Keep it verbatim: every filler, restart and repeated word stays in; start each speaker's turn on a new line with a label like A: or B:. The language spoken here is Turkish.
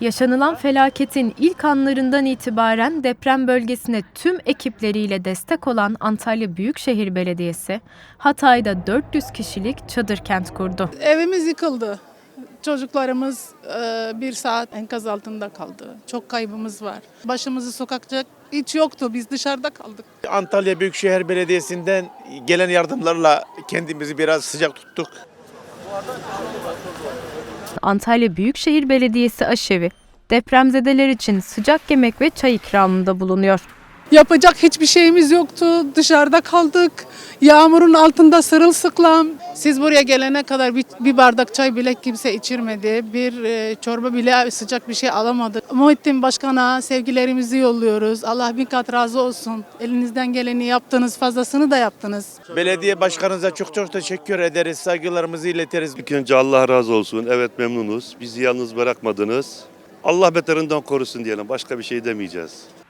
A: Yaşanılan felaketin ilk anlarından itibaren deprem bölgesine tüm ekipleriyle destek olan Antalya Büyükşehir Belediyesi, Hatay'da dört yüz kişilik çadır kent kurdu.
B: Evimiz yıkıldı. Çocuklarımız e, bir saat enkaz altında kaldı. Çok kaybımız var. Başımızı sokacak hiç yoktu. Biz dışarıda kaldık.
C: Antalya Büyükşehir Belediyesi'nden gelen yardımlarla kendimizi biraz sıcak tuttuk.
A: Antalya Büyükşehir Belediyesi aşevi, depremzedeler için sıcak yemek ve çay ikramında bulunuyor.
B: Yapacak hiçbir şeyimiz yoktu. Dışarıda kaldık. Yağmurun altında sırılsıklam. Siz buraya gelene kadar bir, bir bardak çay bile kimse içirmedi. Bir e, çorba bile sıcak bir şey alamadık. Muhittin Başkan'a sevgilerimizi yolluyoruz. Allah bin kat razı olsun. Elinizden geleni yaptınız, fazlasını da yaptınız.
C: Belediye başkanınıza çok çok teşekkür ederiz, saygılarımızı iletiriz.
D: İlk önce Allah razı olsun. Evet, memnunuz. Bizi yalnız bırakmadınız. Allah beterinden korusun diyelim. Başka bir şey demeyeceğiz.